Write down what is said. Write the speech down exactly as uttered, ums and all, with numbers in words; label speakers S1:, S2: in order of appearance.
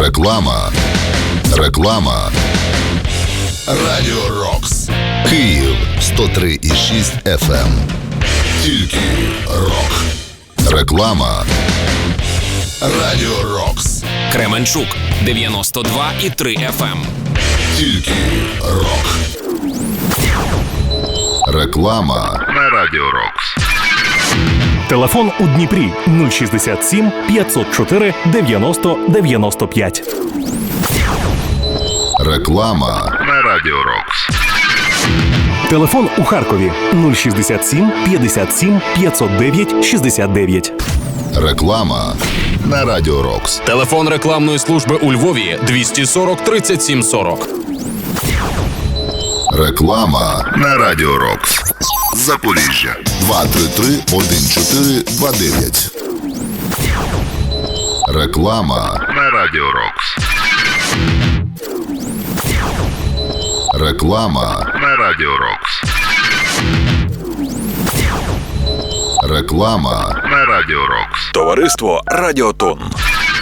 S1: Реклама. Реклама. Радіо Рокс. Київ сто три і шість еф ем. Тільки рок. Реклама. Радіо Рокс.
S2: Кременчук дев'яносто два і три еф ем.
S1: Тільки рок. Реклама на Радіо Рокс.
S3: Телефон у Дніпрі нуль шістдесят сім п'ятсот чотири дев'яносто дев'яносто п'ять.
S1: Реклама на Радіо Рокс.
S3: Телефон у Харкові нуль шістдесят сім п'ятдесят сім п'ятсот дев'ять шістдесят дев'ять.
S1: Реклама на Радіо Рокс.
S2: Телефон рекламної служби у Львові двісті сорок тридцять сім сорок.
S1: Реклама на Радіо Рокс. Запоріжжя два три три один чотири два дев'ять. Реклама на Радіо Рокс. Реклама на Радіо Рокс. Реклама на Радіо Рокс.
S4: Товариство Радіотон.